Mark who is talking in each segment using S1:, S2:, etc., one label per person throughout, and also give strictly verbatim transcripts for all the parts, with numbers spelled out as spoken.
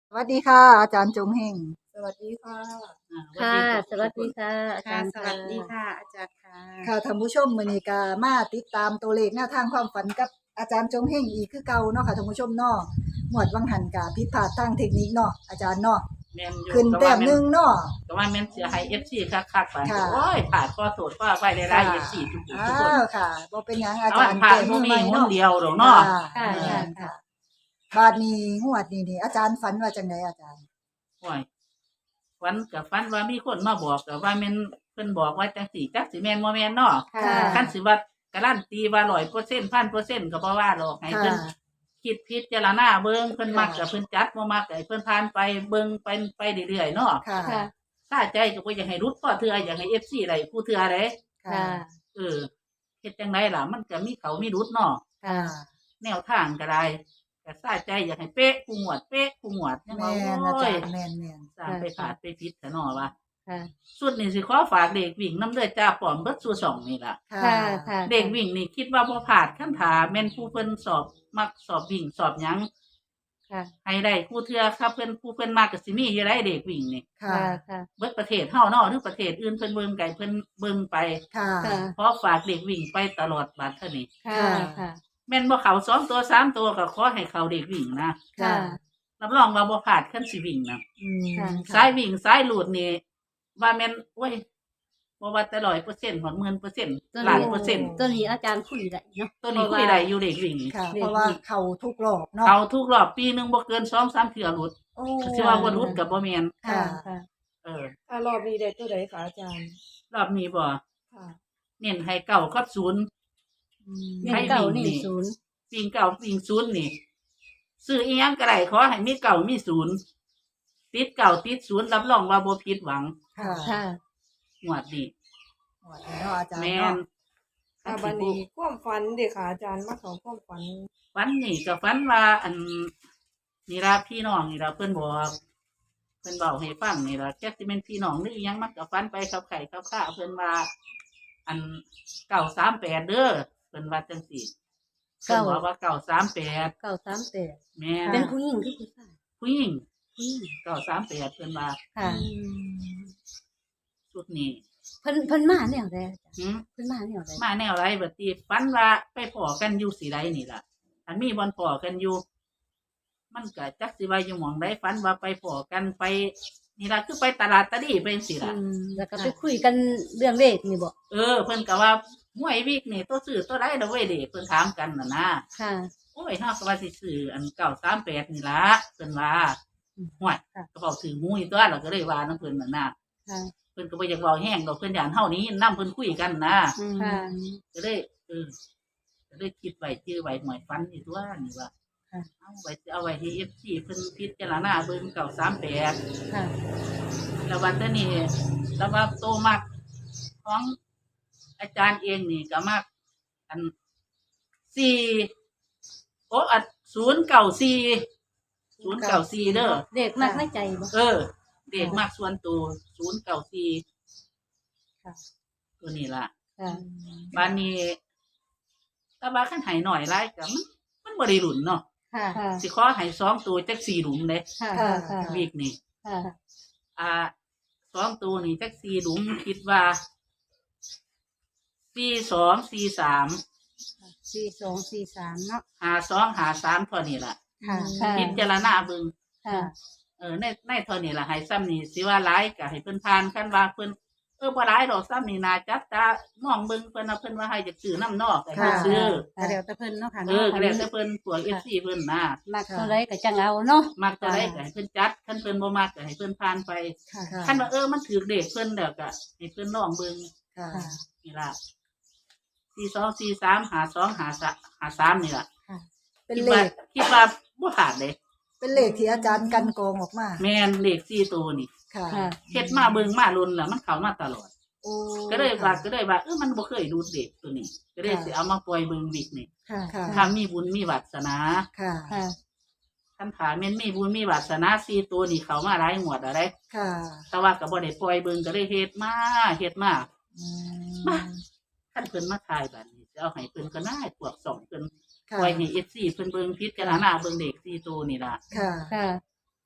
S1: สวัสดีค่ะอาจารย์จงเฮง
S2: สวัสดีค่ะ
S3: อ่า
S4: ค่ะ ส
S3: ส
S4: วั
S3: วั
S4: ส
S3: ส
S4: ดี
S3: ดี
S4: ค่ะ อา
S2: ค่ะ
S4: จารย์
S2: ส
S4: ค่ะ
S2: วัสดีค่ะ อาจารย์ค่ะ
S1: ค่ะท่านผู้ชมมื้อนี้ก็มาติดตามตัวเลขแนวทางความฝันกับอาจารย์จงเฮงอีกคือเก่าเนาะค่ะท่านผู้ชมเนาะหมวดวังหันกะผิดพลาดทางเทคนิคเนาะอาจารย์เนาะ
S3: แม่นอยู่
S1: ขึ้น
S3: ก็
S1: แต้
S3: ว่าม แม่
S1: หนึ
S3: น
S1: งเนาะ
S3: ก็ว่าแม่นสิให้ เอฟ ซี คักๆปาน
S1: ค่ะ
S3: โอ้ยพลาดขอโทษขออภัยหลายๆ เอฟ ซี ทุกผู้
S1: อ้า
S3: ทุกคน
S1: วค่ะบ่เป็นหยังอา
S3: เอา
S1: จา
S3: อั
S1: ร
S3: น
S1: ย์
S3: พลา
S1: แก้
S3: ด
S1: มื
S3: บ่
S1: อ
S3: มี
S1: ใหม่
S3: หน
S1: เนาะ
S3: เดียวดอกเนาะ
S1: ค่ะ
S4: ค่ะ
S3: เออ
S4: ค่ะ
S1: ค่ะบาดนี้งวดนี้นี่อาจารย์ฝันว่าจังไดอาจารย์
S3: โอ้ยฝันก็ฝันว่ามีคนมาบอกก็ว่าแม่นเพิ่นบอกว่าจังซี่จักสิแม่นบ่แม่นเนาะ
S1: ค่ะ
S3: คันสิว่าการันตีว่า ร้อยเปอร์เซ็นต์ พันเปอร์เซ็นต์ ก็บ่ว่าหรอกให้
S1: ค่ะ
S3: เพิ่นคิดพิจารณาเบิ่งเพิ่น
S1: ค่ะ
S3: มักก็เพิ่นจัดบ่มักก็ให้เพิ่นผ่านไปเบิ่งไปไปเรื่อยๆเนาะ
S1: ค่ะ
S4: ค่ะ
S3: ถ้าใจก็บ่อยากให้หลุดพอเทื่ออยากให้ เอฟ ซี ได้ผู้เทื่อเด้
S1: ค่ะ
S4: ค่ะ
S3: เออเฮ็ดจังไดล่ะมันก็มีเขามีรุดเนาะ
S1: ค่ะ
S3: แนวทางก็ได้ก็สาใจอยากให้เป๊ะกูงวดเป๊ะกูงวดจัง
S1: แม่
S3: ว่าน
S1: อา
S3: โอ้
S1: จาย รย์แม่นแม่น
S3: สร้างไปขาดไปผิดซะเนาะว่า
S4: ค่ะ
S3: สุดนี่สิขอฝากเด็กวิ่งนำเด้อจ้าป้อมเบิดสู่สองนี่ล่ะ
S1: ค่ะ
S4: ค่ะ ค่ะ
S3: เด็กวิ่งนี่คิดว่าบ่พลาดคันถาแม่นผู้เพิ่นสอบมักสอบวิ่งสอบหยัง
S4: ค่ะ
S3: ให้ได้ผู้เทื่อครับเพิ่นผู้เพิ่นมักก็สิมีอยู่ได้เด็กวิ่งนี่
S1: ค่ะ
S4: ค่ะ ค่ะ
S3: เบิดประเทศเฮาเนาะหรือประเทศอื่นเพิ่นเบิ่งไกเพิ่นเบิ่งไป
S1: ค่ะ
S4: ค่ะ
S3: ขอฝากเด็กวิ่งไปตลอดบัดเท่านี้
S4: ค่ะ ค่ะ
S3: แม่นบ่เข้าสองตัวสามตัวก็ขอให้เข้าเด็กวิ่งนะ
S4: ค่ะ
S3: รับรองว่าบ่พลาดคันสิวิ่งนะ
S1: อืม
S4: ค่ะ
S3: สายวิ่งสายหลุดนี่ว่าแม่นโอ้ยบ่ว่าแต่ ร้อยเปอร์เซ็นต์ ฮอด หนึ่งหมื่นเปอร์เซ็นต์
S4: ตัว
S3: ล้าน
S4: นี้
S3: เปอร์เซ็นต์
S4: ตัวนี้อาจารย์คุยได้เนาะ
S3: ตัวนี้คุยได้อยู่เด็กวิ่งนี่
S1: ค่ะ
S4: เด็ก
S1: เพราะว่าเขาทุกรอบเนาะ
S3: เข้าทุกรอบปีหนึงบ่เกิน สองสาม เทื่อหลุด
S1: โอ้
S3: สิว่าบ่หลุดก็บ่แม่น
S1: ค่ะ
S4: ค่ะ
S3: เออ
S2: ถ้ารอบนี้ได้ตัวใดคะอาจารย์
S3: รอบนี้บ่
S2: ค่ะ
S3: เน้นให้เก้ากับศูนย์
S1: อืม
S4: เงินเก่านี่ศูนย์
S3: วิ่งเก้าวิ่งศูนย์นี่ซื้ออีหยังก็ได้ขอให้มีเก้ามีศูนย์ติดเก้าติดศูนย์รับรองว่าบ่ผิดหวัง
S1: ค่ะ
S4: ค่ะ
S3: งวดนี้
S1: หมดแล้วเนาะอาจารย์
S3: แม่น
S1: เนาะ
S2: ค่ะบันนี้ความฝันเด็กค่ะอาจารย์มาของความฝัน
S3: ฝันนี่ก็ฝันว่าอันนี่ล่ะพี่น้องนี่ล่ะเพิ่นบอกเพิ่นเว้าให้ฟังนี่ล่ะจักสิแม่นพี่น้องหรืออิหยังมันก็ฝันไปขับไข่ขับข้าเพิ่นว่าอันเก้าสามแปดเด้อเพิ่นว่าจังซี่เพิ่นบอกว่าเก้าสามแปด
S4: เก่าสามแปด
S3: แม่น
S4: เป็นผู้หญิงที่ผู้ชาย
S3: ผู้หญิง
S4: ผู้หญิง
S3: เก้าสามแปดเพิ่นว่า
S4: ค่ะ
S3: ชุดนี้
S4: เพิ่นเพิ่นมาแนวใดอาจารย์
S3: หืม
S4: เพิ่นมาแนวใด
S3: มาแนวไรบัดนี้ฝันว่าไปพอกันอยู่สิไดนี่ล่ะอันมีบ่อนพอกันอยู่ มันก็จักสิว่าอยู่หม่องใดฝันว่าไปพอกันไป นี่ล่ะคือไปตลาดตะลี่ไปจังซี่ล่ะ
S4: อืมแล้วก็ไปคุยกันเรื่องเลขนี่บ่
S3: เออเพิ่นก็ว่าหวยวิกนี่ตัวซื้อตัวใดดอกเว้ยเด้เพิ่นถามกันน่ะนะ
S4: ค่ะ
S3: โอ้ยเฮาก็ว่าสิซื้ออันเก้าสามแปดนี่ล่ะเพิ่นว่าหวย
S4: ค่ะ
S3: ก็เว้าถือหมูอีตัวเราก็เลยว่านํเพิ่นน่ะนะ
S4: ค่ะ
S3: เพิ่นก็บ่อยากเว้าแห้งดอกเพิ่นย่านเฮานี้นำเพิ่นคุยกันนะ
S1: อืม
S4: ค่ะ
S3: ก็เลยเออก็เลยคิดไว้ชื่อไว้หมวยฟันนี่ตัวนี่ว่า
S4: ค่ะ
S3: เอาไว้เอาไว้ให้เอฟซีเพิ่นพิจารณาเบิ่งเก่าสามแปด
S4: ค่ะ
S3: แล้ววันนี้แล้วว่าโตมากของอาจารย์เองนี่ก็มากอันสี่โอ้อันศูนย์เก่าสี่ศูนย์เก่าสี่เด้อ
S4: เลขมากในใจบ่
S3: เออ เด็กมากส่วนตัวศูนย์เก่าสี่
S4: ค่ะ
S3: ตัวนี้ล่ะ
S4: ค่ะ
S3: บ้านนี้ถ้าว่าขันหายหน่อยไรก็มันมันบริหลุนเนาะ
S4: ค่ะ ค่ะ
S3: สิขอใหายสองตัวจักสี่หลุมเลย
S4: ค่ะ ค่ะ
S3: วีกนี่
S4: ค่ะ
S3: อ่าสองตัวนี่จักสี่หลุมคิดว่าสี่สองสี่สาม
S4: สี่สองสี่สามเนาะ
S3: หาสองหาสามเท่านี้ล่ะ
S4: ค่ะ ค่ะ
S3: พิจารณาเบิ่ง
S4: ค่ะ
S3: เออในในเท่านี้ล่ะให้ซ้ำนี่สิว่าร้ายก็ให้เพิ่นทานกันว่าเพิ่นเออบ่ร้ายดอกซ้ำนี่นาจัดตามองเบิ่งเพิ่นว่าเพิ่นว่าให้จะซื้อน้ำนอกให้เพิ่นซื้อ
S4: ค่ะเดี๋ยวแต่เพิ่นเนาะค่ะ
S3: เออก็แล้วแต่เพิ่นพวก เอฟ ซี เพิ่นน่ะ
S4: มักเท่าไรก็จังเอาเนาะ
S3: มักจะได้ก็ให้เพิ่นจัดคันเพิ่นบ่มักก็ให้เพิ่นผ่านไป
S1: ค่ะ
S3: คันว่าเออมันถือเด็กเพิ่นแล้วก็ให้เพิ่นลองเบิ่ง
S1: ค่ะ
S4: ค่ะ
S3: นี่ล่ะสี่สองสี่สามหาสองหาสามหาสามนี่ล่ะ
S1: เป็น
S3: คิด
S1: เล
S3: ว่า
S1: ข
S3: คิดว่าบ่ขาดเลย
S1: เป็นเลขที่อาจารย์กันกองออกมา
S3: แม่นเลขสี่ตัวนี่
S1: ค่ะ
S4: ค่ะ
S3: เฮ็ดมาเบิ่งมาลุ้นแล้วมันเข้ามาตลอด
S1: โอ้
S3: ก็เลยว่าก็เลยว่าเออมันบ่เคยดูดเด็กตัวนี้ ก็เลยสิเอามาปล่อยเบิ่งวิกนี่
S4: ค่ะ
S1: ค่ะ
S3: ถ้ามีบุญมีวาสนา
S1: ค่ะ
S4: ค่ะ
S3: คันถ้าแม่นมีบุญมีวาสนาสี่ตัวนี่เข้ามาหลายงวดอะไร
S1: ค่ะ
S3: แต่ว่าก็บ่ได้ปล่อยเบิ่งก็เลยเฮ็ดมาเฮ็ดมา
S1: อื
S3: มา
S1: ม
S3: คันเพิ่นมาทายบัดนี้จะเอาให้เพิ่นก็ได้พวกสองเพิ่น
S1: ค่ะ
S3: ปล่อยให้ เอฟ ซี เพิ่นเบิ่งพิจารณาเบิ่งเด็กสี่ตัวนี่ล่ะ
S1: ค่ะ
S4: ค่ะ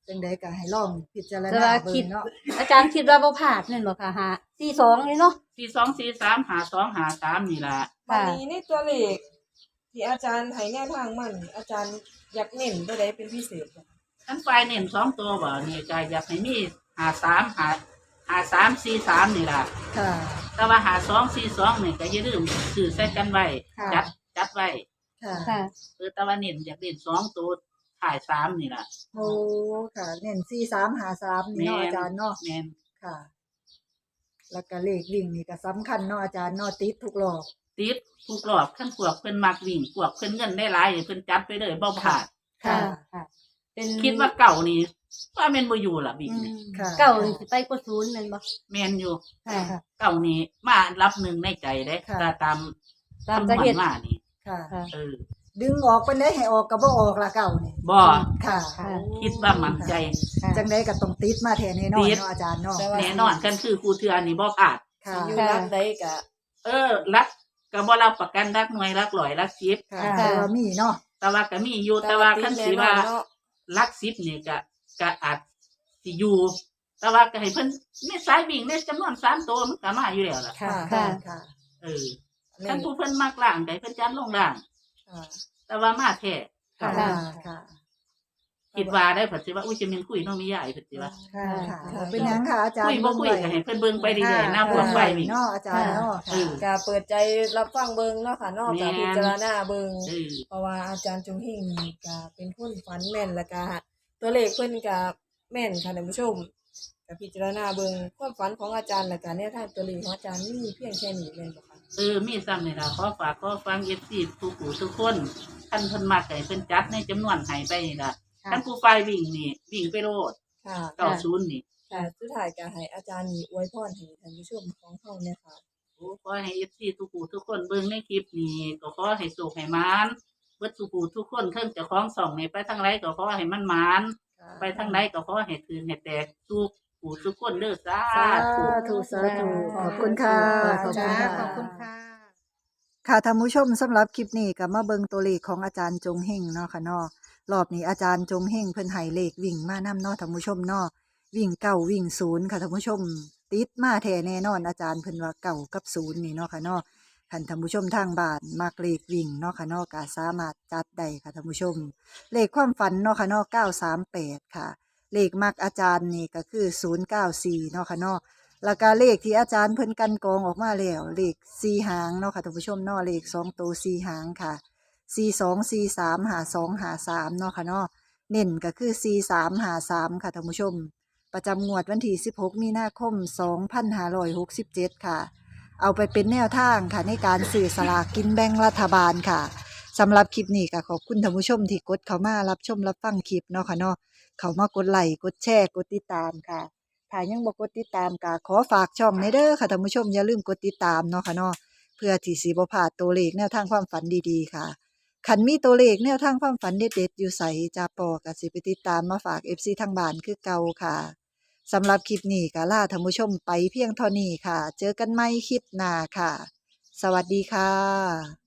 S1: จังใดก็ให้ลองพิจาร
S4: แต่
S1: ณา
S4: ว่า
S1: เบิ่
S4: คิด
S1: งเนาะ
S4: อาจารย์คิดว่าบ่พลาดนั่นบ่ค่ะหาสี่สองเลยเนาะ
S3: สี่สองสี่สามหาสองหาสามนี่ล่ะ
S2: วันนี้ในตัวเลขที่อาจารย์ให้แนวทางมัน อาจารย์อยากเน้นตัวใดเป็นพิเศษบ่
S3: ทั้งฝ่ายเน้นสองตัวบ่นี่ก็อยากให้มีหาสามหาหาสามสี่สามนี่ล่ะ
S1: ค่ะ
S3: แต่ว่าหาสองสี่สองนี่ก็อย่าลืมสื่อใส่กันไว้
S1: ค่ะ
S3: จัดจัดไว้
S1: ค่ะ
S4: ค่ะ
S3: เออแต่ว่าเน้นอยากเน้นสองตัวถ่ายสามนี่ล่ะ
S1: โอ้ค่ะเน้นสี่สามหาสามนี่เนาะ
S3: แม่น
S1: อาจารย์เนาะ
S3: แม่น
S1: ค่ะ แล้วก็เลขวิ่งนี่ก็สำคัญเนาะอาจารย์เนาะติดทุกรอบ
S3: ติดทุกรอบขั้นพวกเพิ่นมักวิ่งพวกเพิ่นเงินได้หลายเพิ่นจัดไปเลยบ่พลาด
S1: ค่ะ
S4: ค่ะ เป็น
S3: คิดว่าเก่านี่ว่าแม่นบ่อยู่ล่ะวิ่ง
S4: อืม
S3: นี่
S1: ค่ะ
S4: เก่านี่สิไปกว่าศูนย์แม่นบ่
S3: แม่นอยู่
S4: ค่ะ
S3: เก่านี่มารับหนึ่งในใจเด้
S1: ค่ะ
S3: ก็ตาม
S4: ตาม
S3: คำน
S4: จะ
S3: ว
S4: เฮ็
S3: ณ
S4: ด
S3: มานี่
S1: ค่ะ
S4: ค่ะ
S3: เออ
S1: ดึงออกไปได้ให้ออกก็บ่ออกละเก่านี่
S3: บ่
S1: ค่ะ
S4: ค่ะ
S3: คิดว่ามั่นใจ
S4: ค่ะ
S1: จังไดก็ต้องติดมาแทนแน่นอน
S3: ติด
S1: เนาะอาจารย์เนาะ
S2: แต่ว่า
S3: แน่นอนกันคือครูเทือนี่บ่พลาด
S1: ค่ะ
S2: สิอยู่รักใดก็
S3: เออรักก็บ่รับประกันรักหน่วยรักร้อยรักสิบ
S1: ค่ะ
S4: ค่ะ
S1: แต่ว่ามีเนาะ
S3: แต่ว่าก็มีอยู่แต่ว่าคันสิว่า
S2: เนาะ
S3: รักสิบนี่ก็ก็อาจสิอยู่แต่ว่าก็ให้เพิ่นมีสายวิ่งในจำนวนสามตัวมันก็มาอยู่แล้วล่ะ
S1: ค่ะ
S4: ค่ะ
S1: ค่ะ
S3: เออคันผู้เพิ่นมักล่างก็ให้เพิ่นจัดลงล่าง
S2: ค่ะ
S3: แต่ว่ามาแท้
S1: ค่ะ
S4: ค่ะ
S1: ค่ะ
S3: คิดว่าได้เพิ่นสิว่าอุ้ยจะมีคุยน้องมีใหญ่เพิ่นสิว่า
S1: ค่ะค่ะ
S2: ค่ะ
S1: เป็นหยังค่ะอาจารย์
S3: คุยบ่คุยก็ให้เพิ่นเบิ่งไปเรื่อยๆหน้าพวกไฟวิ่ง
S1: เนาะอาจารย์เนาะ
S3: เออ
S2: ก็เปิดใจรับฟังเบิ่งเนาะค่ะเนอกจาก
S3: แม่น
S2: พิจารณาเบิ่ง
S3: เออ
S2: เพราะว่าอาจารย์จงเฮงนี่ก็เป็นคนฝันแม่นแล้วก็ตัวเลขเพิ่นก็แม่นค่ะท่านผู้ชมก็พิจารณาเบิ่งความฝันของอาจารย์แล้วก็แนวทางตัวเลขของอาจารย์มีเพียงแค่นี้แม่นบ่คะ
S3: เออมีซ้ำนี่ล่ะขอฝากขอฟัง เอฟ ซี ทุกผู้ทุกคนท่านเพิ่นมักให้เพิ่นจัดในจำนวนให้ไปนี่ล่ะ
S4: ค่ะ
S3: ท่านผู้ไฟวิ่งนี่วิ่งไปโลด
S2: ค่ะ
S3: เก้าศูนย์นี่
S2: ค่ะสุดท้ายก็ให้อาจารย์นี่อวยพรให้ท่านผู้ชมของเฮาเนี่ยค่ะ
S3: โอ้ขอให้ เอฟ ซี ทุกผู้ทุกคนเบิ่งในคลิปนี้ก็ขอให้สุขให้หมานเบิดทุกผู้ทุกคนเทิงเจ้าของส่องนี่ไปทางไรก็ขอให้มันหมานไปทางไหนก็ขอให้คืนให้แตกทุกผู้ทุกคนเด้อสา
S1: สา
S3: ธุ
S1: ธุสาธุขอบคุณค่ะ
S4: ขอบคุณ
S1: อาจารย์
S4: ค่ะ
S1: ค่ะ
S4: ขอบคุณค่ะ
S1: ค่ะท่านผู้ชมสำหรับคลิปนี้ก็มาเบิ่งตัวเลขของอาจารย์จงเฮงเนาะค่ะเนาะรอบนี้อาจารย์จงเฮงเพิ่นให้เลขวิ่งมานำเนาะท่านผู้ชมเนาะวิ่งเก้าวิ่งศูนย์ค่ะท่านผู้ชม ติดมาแท้แน่นอนอาจารย์เพิ่นว่าเก้ากับศูนย์นี่เนาะค่ะเนาะคันท่านผู้ชมทางบ้านมักเลขวิ่งเนาะค่ะเนาะก็สามารถจัดได้ค่ะท่านผู้ชม เลขความฝันเนาะค่ะเนาะเก้าสามแปดค่ะ เลขมักอาจารย์นี่ก็คือศูนย์เก้าสี่เนาะค่ะเนาะ แล้วก็เลขที่อาจารย์เพิ่นกันกรองออกมาแล้วเลขสี่หางเนาะค่ะท่านผู้ชมเนาะเลขสองตัวสี่หางค่ะสี่สองสี่สามหาสองหาสามเนาะค่ะเนาะเน้นก็คือสี่สามหาสามค่ะท่านผู้ชม ประจำงวดวันที่สิบหกมีนาคมสองพันห้าร้อยหกสิบเจ็ดค่ะ เอาไปเป็นแนวทางค่ะในการสื่อสลากกินแบ่งรัฐบาลค่ะสำหรับคลิปนี้ก็ขอบคุณท่านผู้ชมที่กดเข้ามารับชมรับฟังคลิปเนาะค่ะเนาะเข้ามากดไลค์กดแชร์กดติดตามค่ะ ถ้ายังบ่กดติดตามก็ขอฝากช่องในเด้อค่ะท่านผู้ชมอย่าลืมกดติดตามเนาะค่ะเนาะเพื่อที่สิบ่พลาดตัวเลขแนวทางความฝันดีๆค่ะคันมีตัวเลขแนวทางความฝันเด็ดๆอยู่ไสจาปอก็สิไปติดตามมาฝาก เอฟ ซี ทางบ้านคือเก่าค่ะสำหรับคลิปนี้ก็ลาท่านผู้ชมไปเพียงเท่านี้ค่ะ เจอกันใหม่คลิปหน้าค่ะ สวัสดีค่ะ